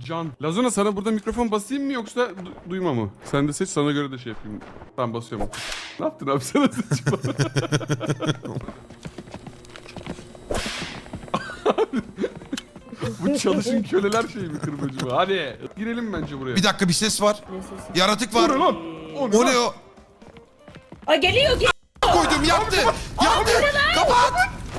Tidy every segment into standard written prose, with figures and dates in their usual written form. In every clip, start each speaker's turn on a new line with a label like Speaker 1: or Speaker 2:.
Speaker 1: Can. Lazona sana burada mikrofon basayım mı yoksa duyma mı? Sen de seç, sana göre de şey yapayım. Tamam, basıyorum. Ne yaptın abi, sana seçim. Bu çalışın köleler şey mi, kırbacı mı? Hadi girelim bence buraya.
Speaker 2: Bir dakika, bir ses var.
Speaker 3: Ne sesi?
Speaker 2: Yaratık var.
Speaker 1: O ne lan?
Speaker 2: O ne o?
Speaker 3: Aa, geliyor.
Speaker 2: Koydum, yaktı. Yaktı. Kapat.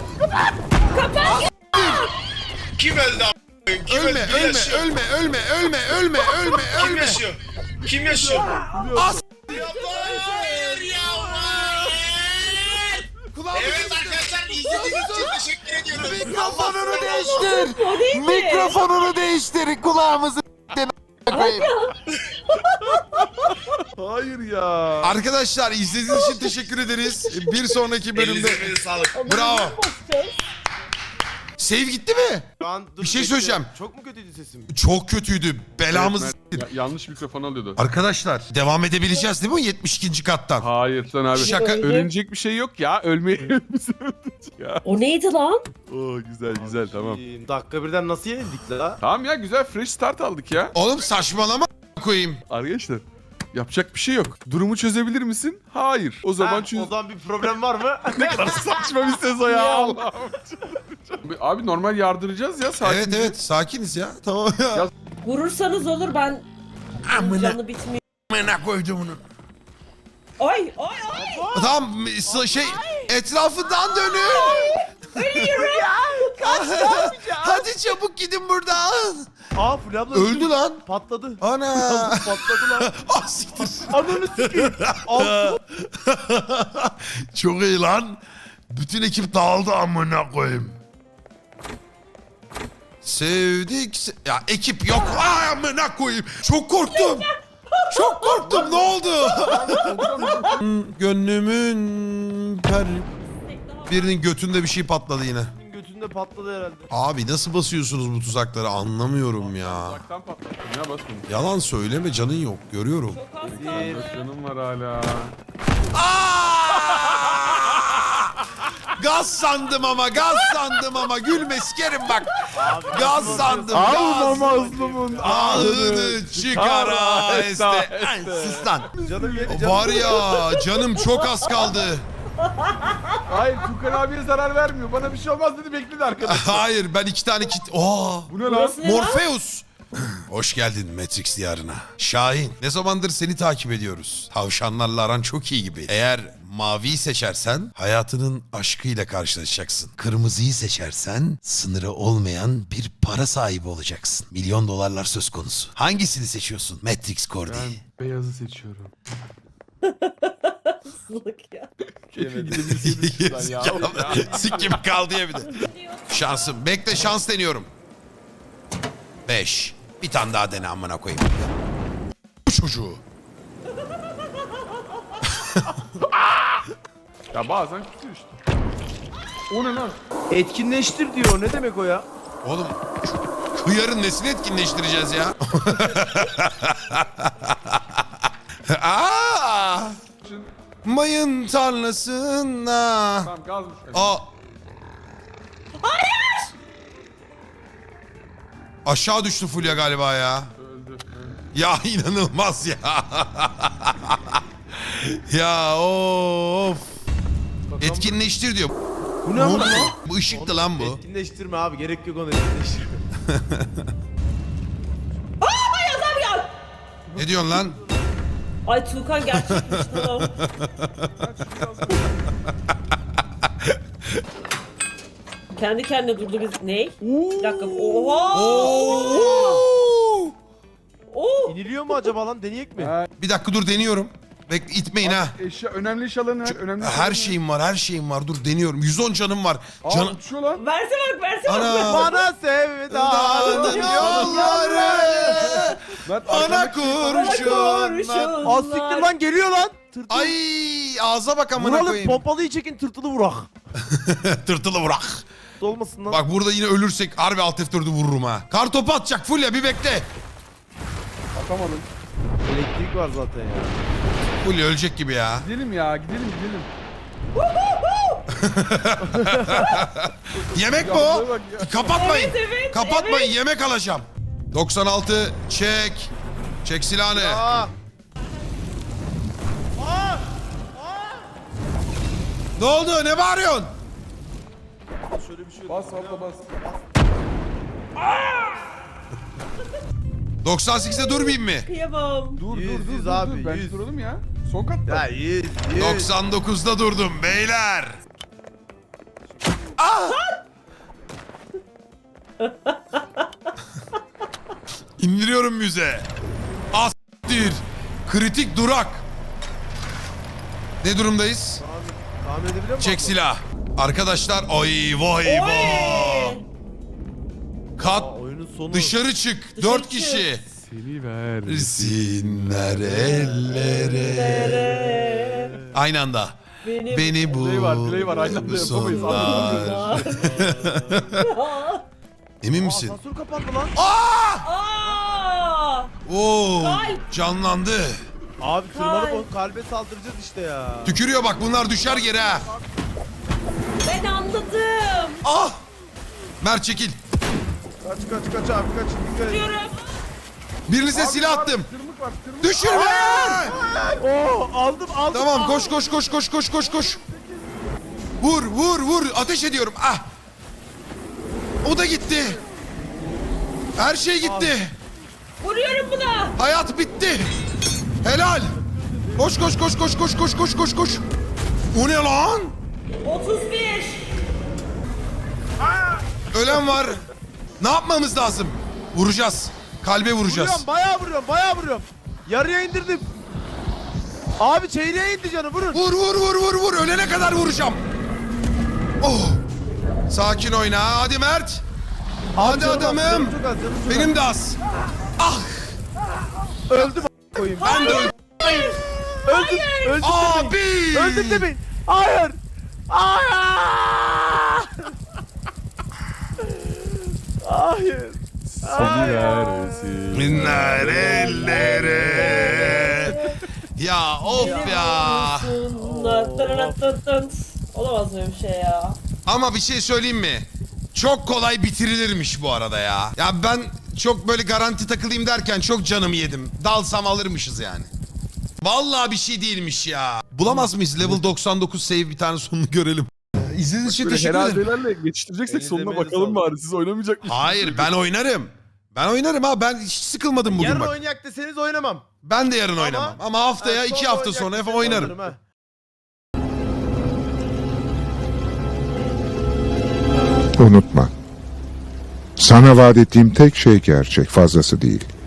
Speaker 4: Kim öldü a**ayım? Kim
Speaker 2: Ölme,
Speaker 4: öldü? Kim
Speaker 2: ölme,
Speaker 4: yaşıyor?
Speaker 2: ölme, ölme, ölme, ölme, ölme,
Speaker 4: Kim
Speaker 2: ölme.
Speaker 4: yaşıyor? Kim yaşıyor?
Speaker 2: As.
Speaker 4: Hayır ya, hayır. Evet arkadaşlar, izlediğiniz için teşekkür ediyoruz.
Speaker 5: Mikrofonunu değiştir.
Speaker 3: O değil mi?
Speaker 5: Mikrofonunu değiştir. Kulağımızı koyayım.
Speaker 1: Hayır ya.
Speaker 2: Arkadaşlar, izlediğiniz için teşekkür ederiz. Bir sonraki bölümde.
Speaker 4: Elinize sağlık.
Speaker 2: Bravo.
Speaker 3: Basacağız.
Speaker 2: Save gitti mi?
Speaker 6: Şu an dur,
Speaker 2: Bir şey
Speaker 6: bekle.
Speaker 2: söyleyeceğim.
Speaker 6: Çok mu kötüydü sesim?
Speaker 2: Çok kötüydü. Belamızı
Speaker 1: Evet, Mert, yanlış mikrofon alıyordu.
Speaker 2: Arkadaşlar, devam edebileceğiz değil mi o 72. kattan?
Speaker 1: Hayır sen abi.
Speaker 2: Şaka.
Speaker 1: Ölünecek bir şey yok ya. Ölmeyi bizi öldürecek ya.
Speaker 3: O neydi lan?
Speaker 1: Oo, güzel güzel, tamam.
Speaker 6: Dakika birden nasıl yenildik la?
Speaker 1: Tamam ya, güzel fresh start aldık ya.
Speaker 2: Oğlum saçmalama koyayım.
Speaker 1: Arkadaşlar yapacak bir şey yok. Durumu çözebilir misin? Hayır. O zaman
Speaker 6: O zaman bir problem var mı?
Speaker 1: ne kadar saçma bir sezon ya. Allah'ım. Abi normal yardıracağız ya, sakin.
Speaker 2: Evet evet, sakiniz ya. Tamam ya.
Speaker 1: Ya-
Speaker 3: Vurursanız olur, ben canı bitmiyor.
Speaker 2: Amına koydum onu.
Speaker 3: Ay.
Speaker 2: Tamam, şey, etrafından dönün. Hadi çabuk gidin buradan.
Speaker 6: Aa Fulya abla
Speaker 2: Öldü lan.
Speaker 6: patladı.
Speaker 2: Ana.
Speaker 6: Patladı lan.
Speaker 2: Ah, siktir.
Speaker 6: Ananı sikeyim. Altı.
Speaker 2: Çok iyi lan. Bütün ekip dağıldı, amına koyayım. Sevdik. Ya ekip yok. Ay amına koyayım. Çok korktum. Çok korktum. Ne oldu? Gönlümün birinin götünde bir şey patladı yine.
Speaker 6: Götünde patladı herhalde.
Speaker 2: Abi nasıl basıyorsunuz bu tuzakları, anlamıyorum ya.
Speaker 1: Uzaktan patlattım ya, basmadım.
Speaker 2: Yalan söyleme, canın yok, görüyorum.
Speaker 3: Çok az kaldı.
Speaker 1: Dört canım var hala.
Speaker 2: Gaz sandım ama gülme sikerim bak. Gaz sandım,
Speaker 1: Alma
Speaker 2: gaz.
Speaker 1: mazlumun
Speaker 2: Ahını çıkar aheste. Ay, sus lan.
Speaker 6: Canım yedi canım.
Speaker 2: Var ya, canım çok az kaldı.
Speaker 1: Hayır, Tukan abiye zarar vermiyor. Bana bir şey olmaz dedi, bekledi arkadaş.
Speaker 2: Hayır, ben 2 tane kit... Oo.
Speaker 1: Bu ne lan?
Speaker 3: Burası ne lan?
Speaker 2: Morpheus. Hoş geldin Matrix diyarına. Şahin, ne zamandır seni takip ediyoruz. Tavşanlarla aran çok iyi gibi. Eğer maviyi seçersen hayatının aşkıyla karşılaşacaksın. Kırmızıyı seçersen sınırı olmayan bir para sahibi olacaksın. Milyon dolarlar söz konusu. Hangisini seçiyorsun Matrix Cordy?
Speaker 1: Ben beyazı seçiyorum.
Speaker 3: Sılık ya.
Speaker 1: Keşke gidebilseydim şuradan ya.
Speaker 2: Sik gibi kaldı ya bir de. Şansım. Bekle, şans deniyorum. 5. Bir tane daha dene amına koyayım. Bu çocuğu.
Speaker 1: Ya bazen tutuyor işte. O ne lan?
Speaker 6: Etkinleştir diyor. Ne demek o ya?
Speaker 2: Oğlum hıyarın nesini etkinleştireceğiz ya? Aa! Mayın tarlasına.
Speaker 1: Tamam, gazmış.
Speaker 2: Aa. Aşağı düştü Fulya galiba ya.
Speaker 1: Öldü.
Speaker 2: Ya inanılmaz ya. Ya of. Etkinleştir diyor.
Speaker 6: Bu
Speaker 2: Ne
Speaker 6: ne
Speaker 2: oldu
Speaker 6: lan?
Speaker 2: lan? Bu ışıktı lan bu.
Speaker 6: Etkinleştirme abi. Gerek yok onu etkinleştirme.
Speaker 2: Ne diyorsun lan?
Speaker 3: Ay Tuğkan gerçekmiş bu. Kendi kendine durdu biz. Ney? Bir dakika. Oha!
Speaker 2: Oo!
Speaker 3: Oo!
Speaker 6: İniliyor mu acaba lan? Deneyek mi?
Speaker 2: Bir dakika dur, deniyorum. Bekle, itmeyin ha.
Speaker 1: Eşya, önemli eşyaların önemli.
Speaker 2: Her şeyim var, her şeyim var. Dur deniyorum. 110 canım var.
Speaker 1: Aa, uçuyor lan.
Speaker 3: Verse bak.
Speaker 2: Ana.
Speaker 6: Bana sevdanın
Speaker 2: yolları.
Speaker 1: Mert,
Speaker 2: Ana
Speaker 1: arkandaki-
Speaker 2: kurşun.
Speaker 6: Az siktir lan, geliyor lan. Tırtıl.
Speaker 2: Ay ağza bak amına
Speaker 6: Vuralım,
Speaker 2: koyayım.
Speaker 6: pompalıyı çekin, tırtılı vurak.
Speaker 2: Tırtılı bırak.
Speaker 6: Olmasın lan.
Speaker 2: Bak burada yine ölürsek harbi alt F4'ü vururum ha. Kar topu atacak Fulya, bir bekle.
Speaker 1: Atamadım.
Speaker 6: Elektrik var zaten ya.
Speaker 2: Fulya ölecek gibi ya.
Speaker 1: Gidelim ya, gidelim.
Speaker 2: Yemek mi o?
Speaker 1: Bak ya.
Speaker 2: Kapatmayın.
Speaker 3: Evet,
Speaker 2: Kapatmayın, yemek alacağım. 96 çek. Çek silahını.
Speaker 6: Aa.
Speaker 2: Ne oldu? Ne bağırıyorsun?
Speaker 6: Şöyle bir şey
Speaker 1: Bas abla bas.
Speaker 2: 98'de durmayayım mı?
Speaker 3: Kıyamam.
Speaker 1: Dur
Speaker 6: Yüz,
Speaker 1: dur dur
Speaker 6: yüz
Speaker 1: dur.
Speaker 6: abi,
Speaker 1: Ben
Speaker 6: yüz.
Speaker 1: duralım ya. Son katta.
Speaker 6: Ya 100.
Speaker 2: 99'da durdum beyler. Ah! İndiriyorum müze. Astir. Kritik durak. Ne durumdayız?
Speaker 6: Tahmin edebiliyor musun?
Speaker 2: Çek silah. Arkadaşlar ay vay vay.
Speaker 3: Oy!
Speaker 2: Kat
Speaker 6: Oyunun sonu.
Speaker 2: dışarı çık.
Speaker 3: Dışarı
Speaker 2: 4
Speaker 3: çık.
Speaker 2: kişi.
Speaker 1: Seni ver.
Speaker 2: Sinler ellere. Aynı anda.
Speaker 3: Benim.
Speaker 2: Beni bu.
Speaker 1: Delay var. Aynı anda yapamayız.
Speaker 2: Sonlar. Emin misin?
Speaker 6: Asansör kapandı lan.
Speaker 3: Aa!
Speaker 2: Oo,
Speaker 3: Kalp.
Speaker 2: canlandı.
Speaker 6: Abi tırmanıp
Speaker 3: Kay.
Speaker 6: o kalbe saldıracağız işte ya.
Speaker 2: Tükürüyor bak bunlar düşer yere ha.
Speaker 3: Ben anladım.
Speaker 2: Ah! Mert çekil.
Speaker 6: Kaç abi kaç. Dikkat et.
Speaker 3: Diyorum.
Speaker 2: Birinize silah attım.
Speaker 1: Tırmık var. Tırmık.
Speaker 2: Düşürme!
Speaker 6: Oo aldım.
Speaker 2: Tamam koş. Vur. Ateş ediyorum. Ah! O da gitti. Her şey gitti.
Speaker 3: Vuruyorum buna.
Speaker 2: Hayat bitti. Helal. Koş. O ne lan?
Speaker 3: 31.
Speaker 2: Ölen var. Ne yapmamız lazım? Vuracağız. Kalbe vuracağız.
Speaker 6: Vuruyorum bayağı vuruyorum. Yarıya indirdim. Abi çeyreğe indi canı vurun.
Speaker 2: Vur. Ölene kadar vuracağım. Oh. Sakin oyna. Hadi Mert. Hadi
Speaker 6: Canım az,
Speaker 2: adamım.
Speaker 6: canım çok az.
Speaker 2: Benim de az. Ah.
Speaker 6: Öldüm koyayım.
Speaker 2: Ben de öldüm.
Speaker 6: Öldüm
Speaker 2: Abi.
Speaker 6: demeyin. Öldüm demeyin. Hayır. Hayır.
Speaker 1: Seni versin.
Speaker 2: Minler ellere. Ya of ya.
Speaker 3: Olamaz böyle bir şey ya.
Speaker 2: Ama bir şey söyleyeyim mi? Çok kolay bitirilirmiş bu arada ya. Ya ben çok böyle garanti takılayım derken çok canımı yedim. Dalsam alırmışız yani. Vallahi bir şey değilmiş ya. Bulamaz mıyız level 99 save bir tane sonunu görelim. İzlediğiniz için
Speaker 1: Böyle
Speaker 2: teşekkür ederim.
Speaker 1: herhaldelerle geçiştireceksek
Speaker 6: Elinize
Speaker 1: sonuna
Speaker 6: emeğinize
Speaker 1: bakalım
Speaker 6: sağlık.
Speaker 1: bari. Siz oynamayacak mısınız?
Speaker 2: Hayır ben oynarım. Ben oynarım ha, ben hiç sıkılmadım bugün
Speaker 6: Yarın
Speaker 2: bak.
Speaker 6: oynayak deseniz oynamam.
Speaker 2: Ben de yarın oynamam. Ama haftaya
Speaker 6: Ha,
Speaker 2: 2
Speaker 6: sonra
Speaker 2: hafta
Speaker 6: oynayak
Speaker 2: sonra
Speaker 6: deseniz
Speaker 2: oynarım.
Speaker 6: oynarım ha.
Speaker 7: Unutma. Sana vaat ettiğim tek şey gerçek, fazlası değil.